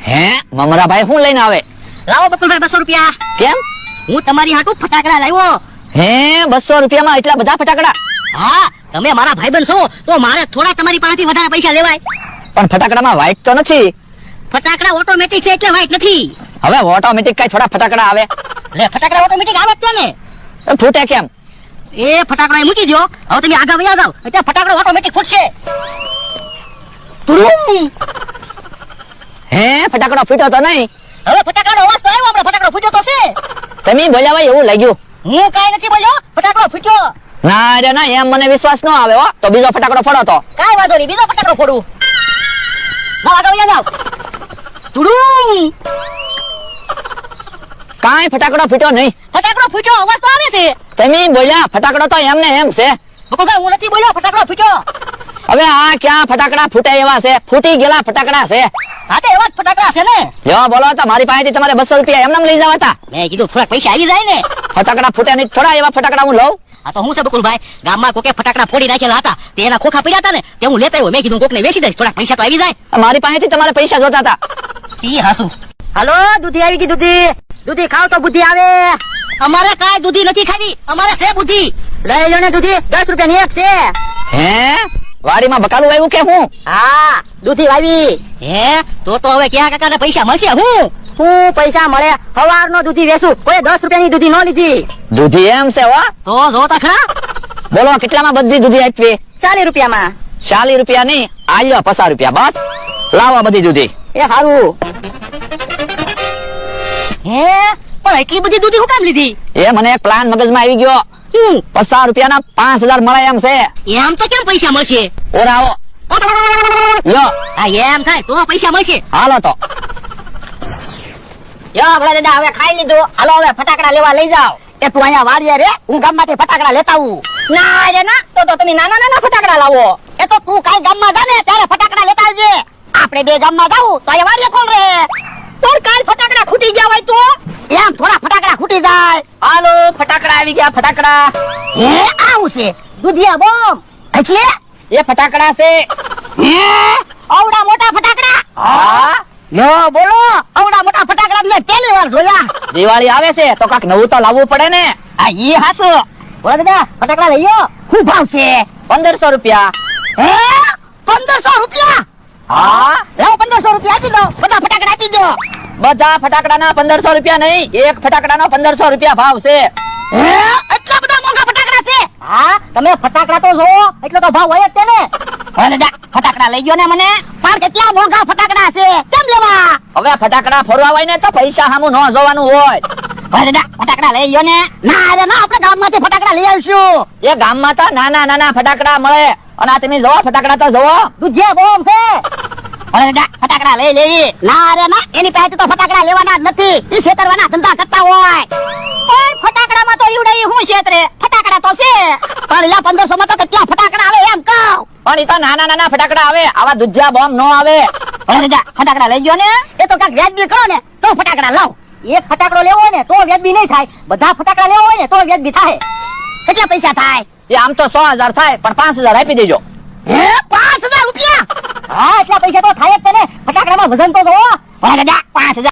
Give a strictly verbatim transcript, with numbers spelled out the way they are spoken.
હે મમરાભાઈ શું લઈને આવે? લાવો બકુલભાઈ બસો રૂપિયા. કેમ? હું તમારી હાટુ ફટાકડા લાવ્યો. હે બસો રૂપિયામાં એટલા બધા ફટાકડા? હા, તમે મારા ભાઈબંધ છો તો મારે થોડા તમારી પાસેથી વધારે પૈસા લેવાય. પણ ફટાકડામાં વાઇટ તો નથી. ફટાકડા ઓટોમેટિક છે એટલે વાઈટ નથી. હવે ઓટોમેટિક કઈ થોડા ફટાકડા આવે? લે ફટાકડા ઓટોમેટિક આવે જ છે ને. તો ફૂટે કેમ? એ ફટાકડા એ મૂકી દો. હવે તમે આગળ વયા જાવ એટલે ફટાકડો ઓટોમેટિક ફૂટશે. હે ફટાકડો ફૂટ્યો તો નહીં? હવે ફટાકડાનો અવાજ તો આવ્યો, આપણો ફટાકડો ફૂટ્યો તો છે. તમે બોલ્યા હોય એવું લાગ્યું. હું કાઈ નથી બોલ્યો, ફટાકડો ફૂટ્યો. ના રે ના, એમ મને વિશ્વાસ ન આવે હો. તો બીજો ફટાકડો ફોડો તો. કાઈ વાંધો નહીં, બીજો ફટાકડો ફોડું. જાવ આગળ વયા જાવ. તુડુમ. કાઈ ફટાકડો ફૂટ્યો નહીં. ફટાકડો ફૂટ્યો, અવાજ તો આવે છે. તમે બોલ્યા ફટાકડો તો એમને એમ છે. બકુલભાઈ હું નથી બોલ્યો, ફટાકડો ફૂટ્યો. હવે આ ક્યાં ફટાકડા ફૂટે એવા છે? ફૂટી ગયેલા ફટાકડા છે. હા તો એવા જ ફટાકડા છે ને. જો બોલો તો મારી પાસેથી તમારે બસો રૂપિયા એમને લઈ જવા હતા. મેં કીધું થોડા પૈસા આવી જાય ને. ફટાકડા ફૂટે નહીં, થોડા એવા ફટાકડા હું લઉં. આ તો હું છે બકુલભાઈ, ગામમાં કોકે ફટાકડા ફોડી નાખેલા હતા, તે એના ખોખા પડ્યા હતા ને, તે હું લેતા આવ્યો. મેં કીધું કોકને વેચી દઈશ, થોડા પૈસા તો આવી જાય. મારી પાસેથી તમારે પૈસા જોતા હતા. ઈ હાસુ. હાલો દૂધી આવી ગઈ. દૂધી દૂધી ખાવ તો બુદ્ધિ આવે. અમારે કાઈ દૂધી નથી ખાવી, અમારે છે બુદ્ધિ. લઈ લો ને દૂધી, દસ રૂપિયા ની એક છે. હે વાડીમાં બકાલું આવ્યું કે હું? હા દૂધી વાવી. હે તો તો હવે ક્યાં કાકા ને પૈસા મળશે? હું હું પૈસા મળે? સવાર નો દૂધી વેચું, કોઈ દસ રૂપિયા ની દૂધી ન લીધી. દૂધી એમ છે હો. તો જોતા ખરા. બોલો કેટલામાં બધી દૂધી આપવી? ચાલીસ રૂપિયામાં. ચાલીસ રૂપિયા નહીં, આલ્યો પચાસ રૂપિયા બસ. લાવો બધી દૂધી. એ સારું. હે પણ એટલી બધી દૂધી હું કામ લીધી? એ મને એક પ્લાન મગજમાં આવી ગયો. હું પચાસ રૂપિયાના પાંચ હજાર મળે એમ છે. એમ તો કેમ પૈસા મળશે? ઓરાવો યો. હા એમ થાય તો પૈસા મળશે. હાલો તો. યો ભલા દાદા હવે ખાઈ લીધું, હાલો હવે ફટાકડા લેવા લઈ જાઓ. એ તું અહીંયા વાડીએ રે, હું ગામમાંથી ફટાકડા લેતા આવું. ના રે ના, તો તો તમે નાના નાના ફટાકડા લાવો. એ તો તું કાઈ ગામમાં જા ને ત્યારે ફટાકડા લેતા આવજે. આપણે બે ગામમાં જાવું તો અહીંયા વાડીએ કોણ રે? પણ કાલ ફટાકડા ખૂટી ગયા હોય તો એમ થોડા ફટાકડા ખૂટી જાય. હાલો ફટાકડા આવી ગયા. ફટાકડા હે આવું છે દુધિયા બોમ એટલે એ ફટાકડા છે. હે આવડા મોટા ફટાકડા? હા લો બોલો, આવડા મોટા ફટાકડા મેં પહેલી વાર જોયા. દિવાળી આવે છે તો કાક નવું તો લાવવું પડે ને. આ ઈ હાસુ. બોલા દાદા ફટાકડા લઈયો. શું ભાવ છે? પંદરસો રૂપિયા. હે પંદરસો રૂપિયા? હા લાવો પંદરસો રૂપિયા આપી દો, બધા ફટાકડા આપી દો. બધા ફટાકડાના પંદરસો રૂપિયા નહીં, એક ફટાકડાનો પંદરસો રૂપિયા ભાવ છે. હે એટલા બધા મોંઘા ફટાકડા છે? હા તમે ફટાકડા તો જોવો, એટલો તો ભાવ હોય જ તેને. બોલા દાદા ફટાકડા લઈ ગયો ને મને. પણ કેટલા મોંઘા ફટાકડા છે, કેમ લેવા? હવે ફટાકડા ફોડવા હોય ને તો પૈસા સામું ન જોવાનું હોય. બોલા દાદા ફટાકડા લઈ ગયો ને. ના રે ના, આપણે ગામમાંથી ફટાકડા લઈ આવશું. એ ગામમાં તો નાના નાના ફટાકડા મળે, અને આ તમે જોવો ફટાકડા તો જોવો. દુધિયા બોમ છે. બોલા દાદા ફટાકડા લઈ લેવી. ના રે ના, એની પાસે તો ફટાકડા લેવાના જ નથી, ઈ છેતરવાના ધંધા કરતા હોય. ઓય ફટાકડામાં તો ઈવડે હું છેતરે, ફટાકડા તો છે. પણ એલા પંદરસો માં તો કેટલા ફટાકડા આવે એમ કહું. પણ એ તો નાના નાના ફટાકડા આવે, આવા દુધિયા બોમ્બ નો આવે. બોલા દાદા ફટાકડા લઈ ગયો ને, એ તો કાંઈક વ્યાજબી કરો ને તો ફટાકડા લાવ. એક ફટાકડો લેવો હોય ને તો વ્યાજબી નહીં થાય, બધા ફટાકડા લેવો હોય ને તો વ્યાજબી થાય. કેટલા પૈસા થાય? એ આમ તો સો હજાર થાય, પણ પાંચ હજાર આપી દેજો. હે પાંચ હજાર રૂપિયા? હા એટલા પૈસા તો થાય જ તેને. ફટાકડામાં વજન તો જોવો. બોલા દાદા પાંચ હજાર